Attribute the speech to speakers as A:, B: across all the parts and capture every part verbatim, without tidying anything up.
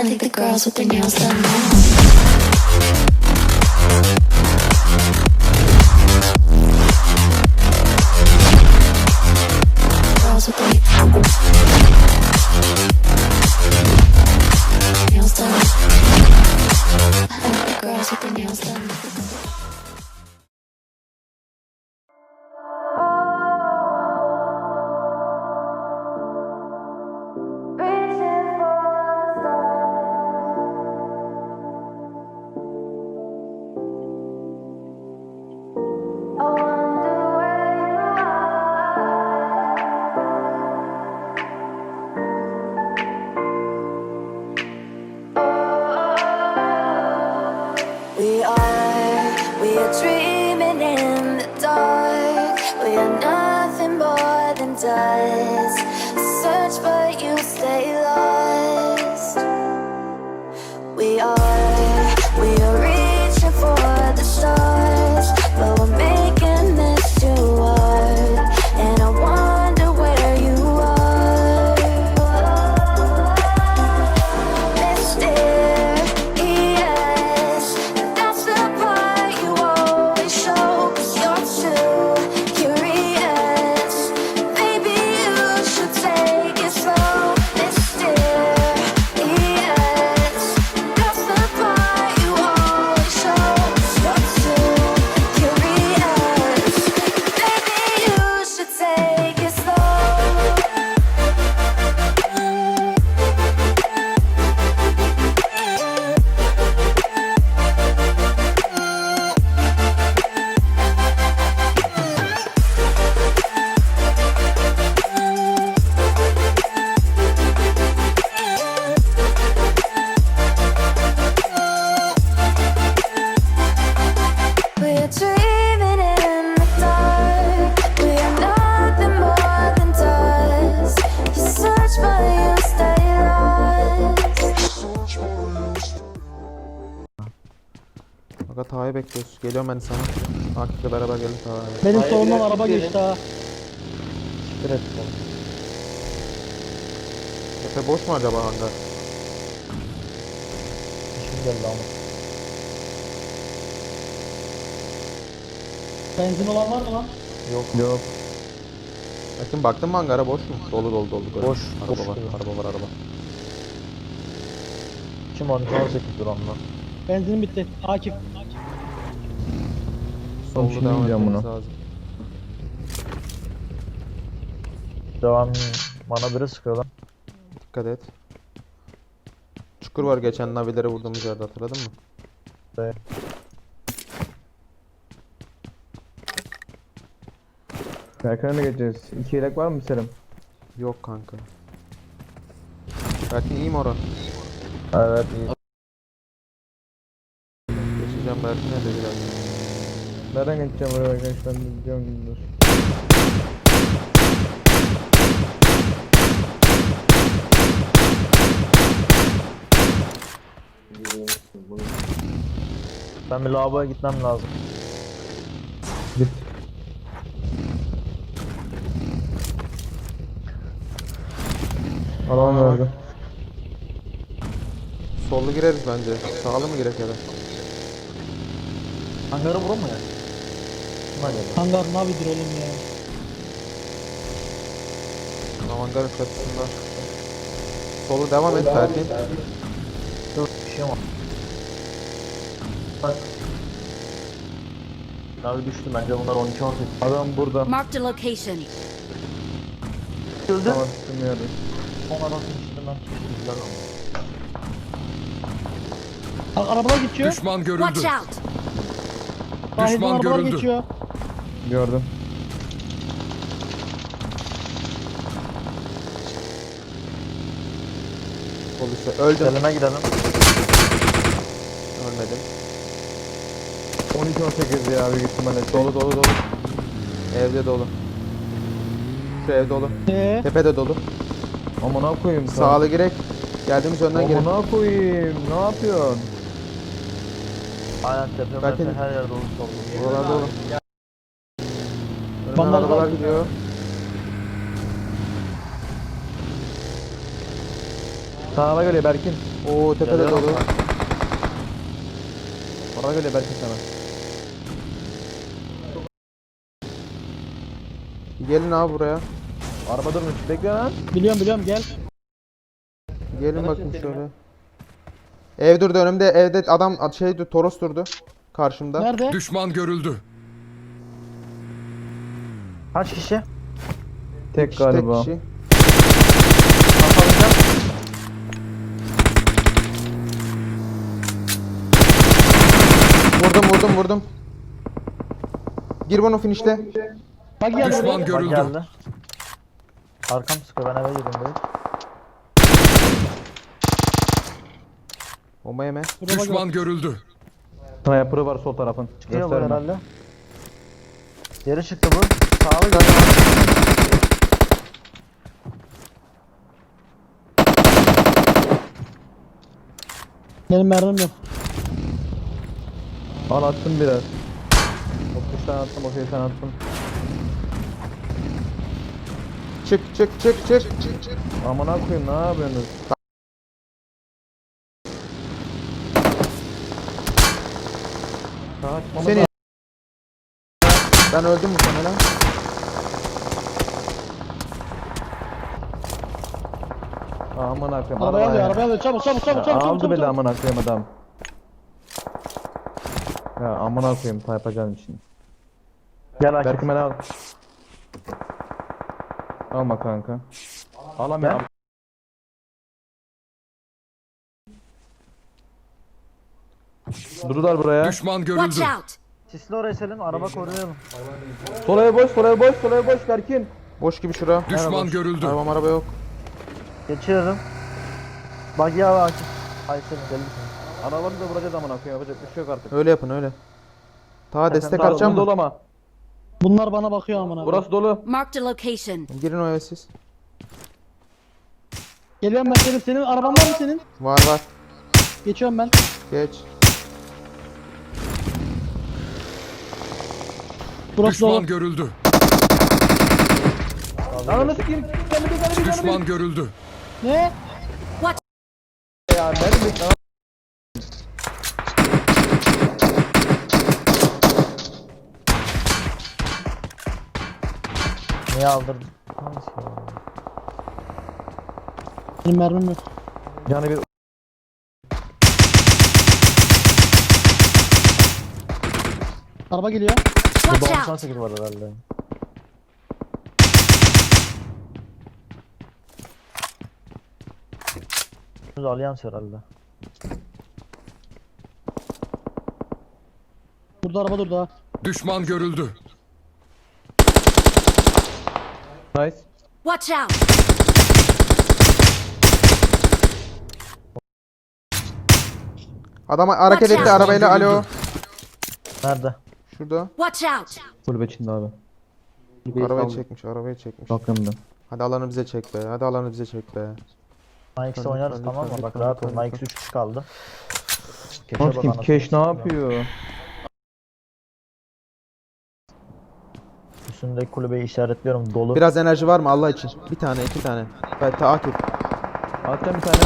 A: think the girls with their nails done now. Girls with their nails done. I think the girls with their nails done.
B: We are, we are dreaming in the dark. We are nothing more than dust. Search but you stay lost. We are, we are reaching for the stars, but we're making this too hard. And I wonder where you are, mysterious. That's the part you always show, 'cause you're too curious. Maybe you should take it slow, mysterious. That's the part you always show, 'cause you're too curious. Maybe you should take it slow. We're dreaming in the dark. We are nothing more than dust. You search but you stay lost.
C: Aga Taha'yı bekliyoruz. Geliyorum ben sana. Akif'le beraber gelin Taha'ya.
D: Benim
E: Hayır,
D: solumdan
E: biraz
D: araba
E: gidelim.
D: geçti ha.
E: Evet.
C: Efe boş mu acaba hangar?
E: İşim geldi ama.
D: Benzin olan var mı lan?
C: Yok. Yok. Bakın baktın mı hangara boş mu? Dolu dolu dolu. Böyle.
E: Boş,
C: Araba
E: boş
C: var.
E: gibi.
C: Araba var araba.
E: Kim on iki on sekiz dur onunla.
D: Benzinim bitti. Akif.
C: Sollu
E: şimdi
C: devam
E: yiyeceğim
C: etmemiz
E: bunu.
C: lazım.
E: Devam bana biri sıkıyor lan.
C: Dikkat et. Çukur var geçen navilere vurduğumuz yerde, hatırladın mı?
E: Evet.
F: Berkan'a mı geçeceğiz? İki yelek var mı Selim?
C: Yok kanka. Berkin iyi mi oran?
E: Evet iyi.
C: Geçeceğim Berkin'e de biraz.
F: Nereden geçeceğim oraya arkadaşlar? Gidiyorum dur.
E: Ben bir lavaboya gitmem lazım.
F: Git. Alan verdi.
C: Sollu gireriz bence. Sağlı mı girek ya da?
E: Hangarı vurur mu ya? Kim acaba?
D: Hangar navidir oğlum ya.
C: Hangarın çatısında. Solu devam et Berkin.
E: Dur bir şey var. Bak. Navi düştü bence bunlar on iki on sekiz.
F: Adam burada.
G: Marked a location.
E: Öldü.
F: Tamam bilmiyorum.
E: Son adamın içinde ben güzel oldu.
D: Bak arabalar geçiyor.
H: Düşman
G: Watch
H: görüldü.
G: out!
D: Sahilden
H: düşman
D: arabalar
H: görüldü.
D: geçiyor.
F: Gördüm.
C: Sol üstte. Öldüm.
E: Selime gidelim.
C: Ölmedim.
F: on iki on sekiz ya büyük ihtimalle.
C: Dolu dolu dolu. Evde dolu. Şu ev dolu.
D: Ee,
C: Tepede dolu.
F: Amına koyayım.
C: Sağlı girek. Geldiğimiz önden girelim.
F: Amına koyayım. Ne yapıyorsun?
E: Aynen tepe
C: Belki-
E: mepe her yerde olursa olur.
C: Buralarda dolu. Önümden
D: Bandaj
C: arabalar
D: var.
C: gidiyor.
F: Sağa geliyor Berkin.
C: Oo tepede
E: Geliyorum
C: dolu.
F: Sağa geliyor Berkin sana.
C: Gelin abi buraya.
F: Araba durmuş. Bekle lan.
D: Biliyorum biliyorum gel.
C: Gelin bakayım şöyle. Ev durdu önümde, evde adam şey dur- Toros durdu karşımda.
D: Nerede?
G: Düşman görüldü.
E: Kaç kişi?
F: Tek
C: kişi,
F: galiba.
C: kişi.
E: Kapalayacağım.
C: Vurdum vurdum vurdum. Gir bunu finişle.
D: Bak gel
G: Düşman
D: buraya.
E: Bak
G: görüldü.
E: geldi. Arkam sıkıyor ben eve girdim direkt.
C: Bomba yeme.
D: Buraya bak.
G: Düşman görüldü.
F: Sniper'ı var sol tarafın.
E: Çıkıyor bu
F: Gösterme.
E: herhalde. Geri çıktı bu. Sağlı gel.
D: Benim mermim yok.
F: Al attım biraz. otuz tane attım, otuz tane attım.
C: Çık çık çık çık.
F: Amına koyayım, ne yapıyorsunuz? Sağa çıkmamız
C: Seni.
F: lazım.
C: Ben öldüm muhtemelen.
F: Amına koyayım.
D: Arabaya alıyor
F: arabaya.
D: arabaya alıyor. Çabuk çabuk çabuk
F: Ya
D: çabuk çabuk.
F: aldı
D: çabuk,
F: bile
D: çabuk.
F: amına koyayım adam. Ya amına koyayım yapacağım şimdi.
E: Gel Akif.
F: Berkime al. Alma kanka. Alamıyorum. Durdular buraya.
G: Düşman
A: Watch
G: görüldü.
A: out!
E: Sisli oraya Selim. Araba koruyalım.
F: Sol ev boş, sol ev boş, sol ev boş Berkin.
C: Boş gibi şura.
G: Düşman görüldü.
C: Araba araba yok.
E: Geçiyorum. Bak ya Akif. Ay Selim deli misin?
F: Arabanı da vuracağız amına koyayım. Yapacak bir şey yok artık.
C: Öyle yapın öyle. Ta destek
E: Sağ ol,
C: atacağım
F: Dolu
C: mı?
F: ama.
D: Bunlar bana bakıyor amına.
F: Burası dolu.
A: Marked a location.
C: Girin o eve siz.
D: Geliyorum ben senin. Senin araban var mı senin?
C: Var var.
D: Geçiyorum ben.
C: Geç.
D: Burası dolu.
G: Düşman görüldü.
F: Lan nasıl kim? Sen bir tane bir tane
G: Düşman görüldü.
D: Ne?
F: ya. Benim bir tane.
E: Niye aldırdın? Hangisi ya?
D: Benim mermim yok.
F: Yani bir
D: Araba geliyor.
A: Watch
E: Burada
A: out!
E: doksan sekiz var herhalde. Burada Allianz herhalde.
D: Burada araba durdu ha.
G: Düşman görüldü.
C: Nice.
A: Watch out!
C: Adam hareket
A: Watch
C: etti
A: out.
C: arabayla. Alo.
E: Nerede?
C: Şurada.
A: Watch out!
F: kulübe içinde abi.
C: Arabayı çekmiş, arabayı çekmiş.
F: Bakımda.
C: Hadi alanı bize çek be. Hadi alanı bize çek be.
E: Nike'de
C: Lütfen,
E: oynarız
C: lütfen,
E: tamam mı?
C: lütfen,
E: Bak
C: lütfen,
E: rahat ol.
C: lütfen,
E: Nike'de üç kişi kaldı. Keşe
F: Bak
E: bak
F: kim?
E: anasını
F: Keş ne
E: satayım ya.
F: yapıyor?
E: Üstündeki kulübeyi işaretliyorum dolu.
C: Biraz enerji var mı Allah için? Bir tane, iki tane. Ben takip.
F: Atacağım bir tane.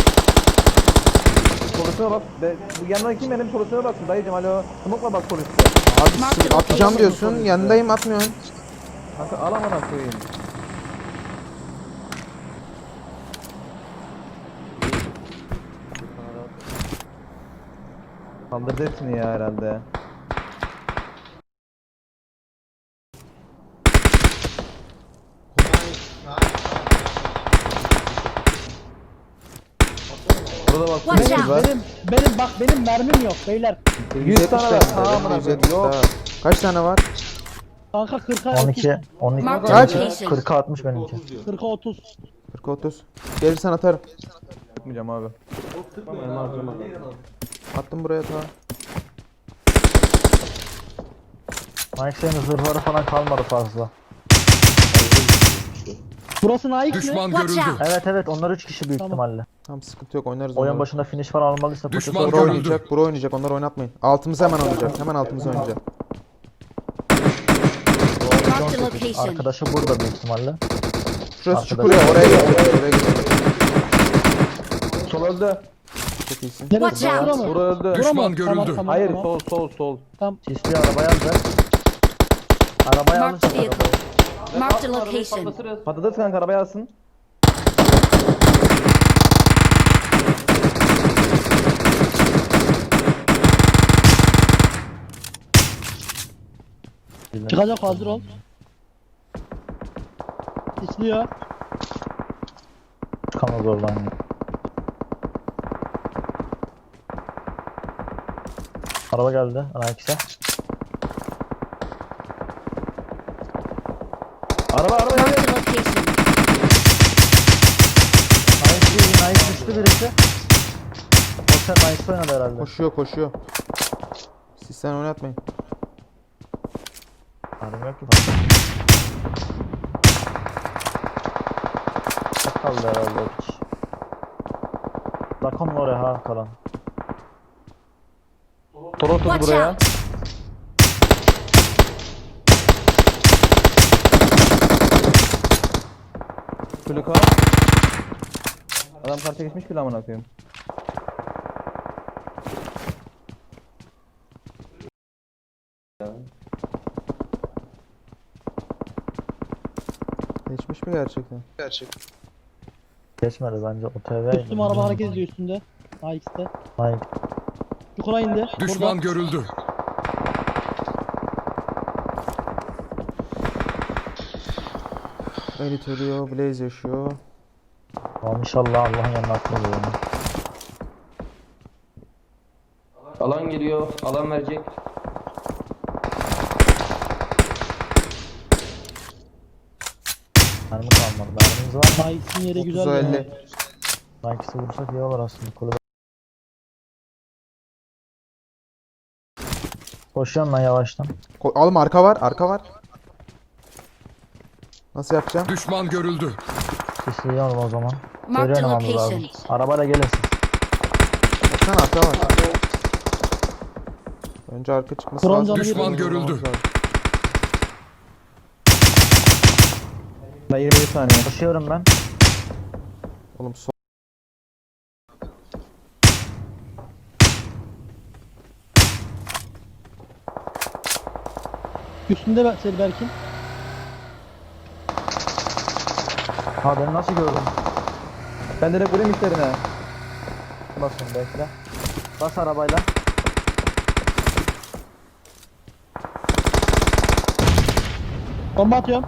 F: Polisine bak. Be, bu yanına kim benim polisine baksın dayıcım alo. Smoke'la bak polise.
C: Abi sen atacağım diyorsun. Yanındayım atmıyorsun.
F: Kanka al amına koyayım. Kaldırdı hepsini ya herhalde. Burada bak.
A: Watch
F: Benim
A: out.
F: var.
D: Benim benim bak benim mermim yok beyler.
F: yüz tane var. Tamam
C: yüz yetmiş
F: yok.
C: daha. Kaç tane var?
D: Kanka kırka
E: on iki. on iki.
A: Mark
C: Kaç?
A: location.
E: kırka altmış benimki.
D: kırka otuz.
C: kırk otuz. Gelirsen atarım.
F: Yapmayacağım abi.
C: Attım buraya ta.
E: Nike senin zırhları falan kalmadı fazla.
D: Burası Nike mi?
G: Düşman
A: Watch
G: görüldü.
A: out!
E: Evet evet onlar üç kişi büyük
D: Tamam.
E: ihtimalle.
C: Tamam sıkıntı yok oynarız
E: Oyun
C: onları.
E: başında finish falan almalıysa
G: Düşman
E: poşet
C: Bro
G: görüldü.
C: oynayacak, bro oynayacak. Onları oynatmayın. Altımıza hemen oynayacak. Hemen altımıza oynayacak.
A: Marked a location.
E: Arkadaşı burada büyük ihtimalle.
C: Şurası
E: Arkadaş-
C: çukur ya. Oraya git. Oraya git.
F: Araba öldü.
C: Çok iyisin.
D: Neresi?
A: Watch
D: Bura
A: out.
D: mı?
F: Bura öldü.
D: Bura mı?
G: Düşman
D: Tamam,
G: görüldü.
D: tamam,
F: Hayır
D: tamam.
F: sol sol sol.
D: Tamam.
E: Sisli arabayı aldı. Arabayı
A: Marked
E: alırsak
A: vehicle.
E: arabayı.
A: Marked a location.
F: Patates kanka arabaya alsın.
D: Çıkacak, hazır ol. İsliyor.
E: Çıkamaz oradan ya. Araba geldi. Ana ikisi.
F: Araba araba
A: Marked
F: geldi.
A: a location.
E: Nice değil. Nice düştü birisi. O sen Nice oynadı herhalde.
C: Koşuyor koşuyor. Siz sen oynatmayın.
E: Harim yok ki fazla. Çok kaldı herhalde o piç. Lakon'un oraya ha kalan.
F: Toros'uz
A: Watch
F: buraya.
A: out.
F: Çocuk adam karşıya geçmiş bile amına koyayım.
C: Geçmiş mi gerçekten?
E: Geçmedi bence o T V.
D: Üstüm araba hareket ediyor üstünde. A X'te.
E: Hayır.
D: Çukura indi.
G: Düşman
D: Burada.
G: görüldü.
C: Elit ölüyor, Blaze yaşıyor.
E: Ama inşallah Allah'ın yanına atmaz yani.
H: Alan geliyor. Alan verecek.
E: Mermi kalmadı. Mermimiz var mı?
D: A X'in yeri güzel.
C: otuza
D: ya.
C: elli.
E: Nike'si vursak iyi olur aslında. Kulübe. Koşuyorum ben yavaştan.
C: Ko- Oğlum arka var, arka var. Nasıl yapacağım?
G: Düşman görüldü.
E: Sisliyorum o zaman.
A: Marked a
E: Seri oynamamız lazım.
A: location.
E: Arabayla gelirsin.
C: Baksana arka var. Önce arka çıkması
D: Bronz
C: lazım.
D: alı
G: Düşman
C: Bronz
G: görüldü.
C: olmamız lazım.
F: Ben yirmi bir saniye.
E: Koşuyorum ben.
C: Oğlum sol.
D: Üstünde ben- seni Berkin.
E: Ha beni nasıl gördün?
F: Ben direkt vurayım işlerine.
E: Basın bekle. Bas arabayla.
D: Bomba atıyorum.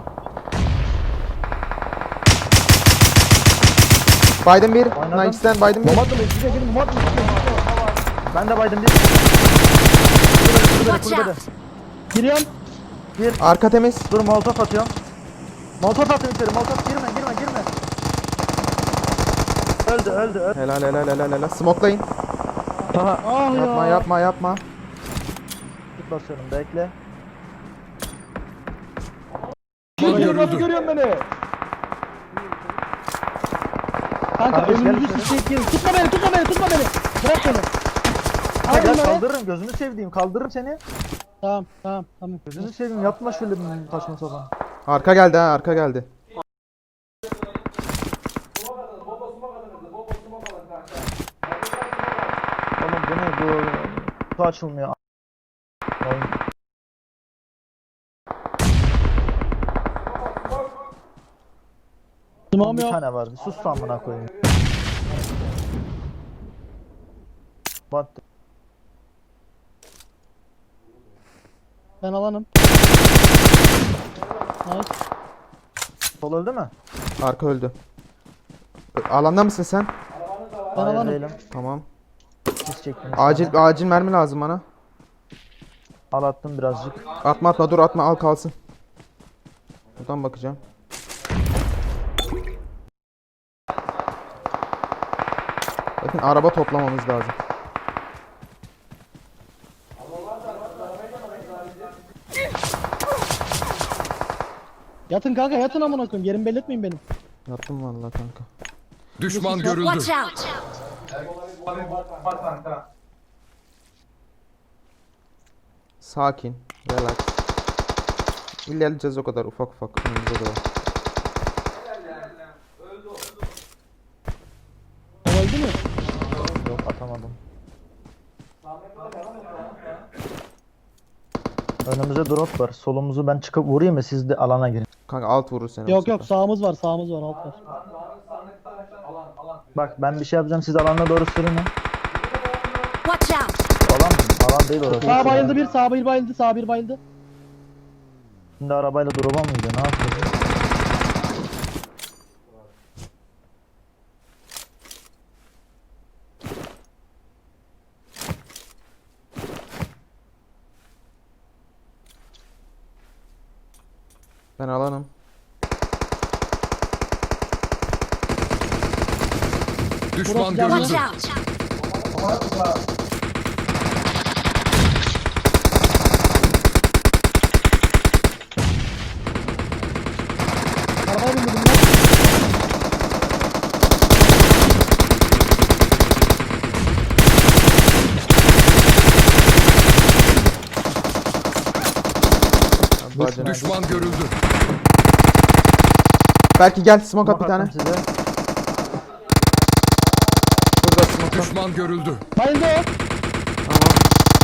C: Biden bir.
E: Oynadım.
C: Nice'den Biden bir.
F: Bomba atma içine girin bomba atma.
E: Ben de baydım bir. Kulübede, kulübede,
A: Watch
E: kulübede.
A: out.
D: Giriyorum.
C: Arka temiz.
E: Dur molotof atıyorum. Molotof atıyorum içeri. Molotof girme girme girme. Öldü öldü öldü.
C: Helal helal helal helal. Smoke'layın.
F: Taha.
D: Ah
C: Yapma
D: ya.
C: yapma yapma.
E: Tut basıyorum bekle.
G: Düşman
F: Nasıl
G: görüldü.
F: görüyorsun beni?
D: Kanka
E: Kardeş, gel
D: önümüzü
E: içeri.
D: sıçrayıp girin. Tutma beni, tutma beni, tutma beni. Bırak beni.
E: Ha,
D: Al
E: gel
D: bunları.
E: kaldırırım gözünü sevdiğim kaldırırım seni.
D: Tamam, tamam, tamam.
E: Gözünü seveyim yapma şöyle bir saçma sapan.
C: Arka geldi ha arka geldi.
E: Oğlum bu ne bu? Bu açılmıyor. Oyun.
D: Sımağım
E: Bir
D: yok.
E: tane var. Bir sus lan amına koyayım. What?
D: Ben alanım. Nice.
E: Sol öldü mü?
C: Arka öldü. Ö- Alanda mısın sen?
D: Ben
E: Hayır
D: alanım.
E: değilim.
C: Tamam.
E: Siz çektim.
C: Acil acil mermi lazım bana.
E: Al attım birazcık.
C: Atma atma dur atma al kalsın. Buradan bakacağım. Bakın araba toplamamız lazım.
D: Yatın kanka, yatın amına koyayım. Yerimi belli etmeyin benim.
C: Yaptım vallahi kanka.
G: Düşman görüldü.
A: Watch out.
C: Sakin. Relax. İlerleyeceğiz o kadar ufak ufak. Önümüze doğru.
D: O öldü mü?
E: atamadım. Önümüze drop var. Solumuzu ben çıkıp vurayım mı? Siz de alana girin.
C: Kanka alt vurur seni. bu
D: Yok yok
C: sefer.
D: sağımız var sağımız var alt var.
E: Bak ben bir şey yapacağım. Siz alana doğru sürün.
B: Watch out!
E: Alan mı? Alan değil orası.
D: Sağ bayıldı bir sağ bir bayıldı sağ bir bayıldı.
E: Şimdi arabayla drop'a mı gidiyor? Ne yapıyor?
C: Ben alanım.
G: Düşman
D: Burası
G: görüldü.
B: Watch out!
D: Arabaya bindirdim lan.
C: Bacana.
G: Düşman görüldü.
C: Belki gel smoke at bir
E: Smoke
C: tane.
E: attım size.
C: Burada smoke at.
G: Düşman görüldü.
D: Bayıldı o.
C: Tamam.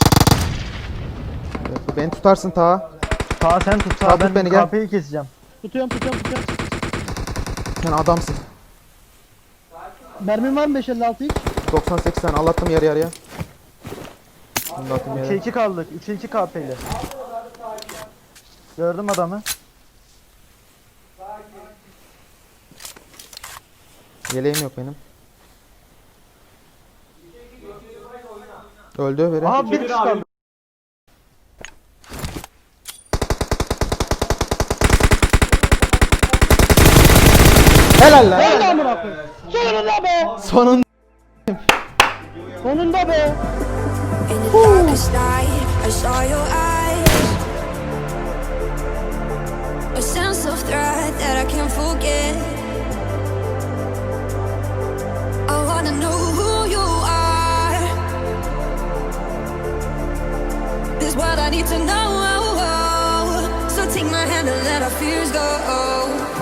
C: Evet, beni tutarsın ta.
E: Sağ sen tut.
C: Sağ
E: Sağ
C: tut
E: ben
C: beni, gel.
E: kapıyı keseceğim.
D: Tutuyorum tutuyorum tutuyorum.
C: Sen adamsın.
D: Mermin var mı beş elli altı hiç?
C: doksan sekiz tane Allah'tım yarı yarıya. Bunu da atayım
E: üçe
C: yere.
E: iki kaldık. üçe iki K P'li. Gördüm adamı.
C: Yeleğim yok benim. Öldü biri.
E: Aha bir kişi kaldı.
C: Helal lan.
D: Nerede amına koyayım? Sonunda be.
C: Sonun.
D: Sonunda be.
B: In the darkest night, I saw your eyes. A sense of threat that I can't forget. I wanna know who you are. This what I need to know. So take my hand and let our fears go.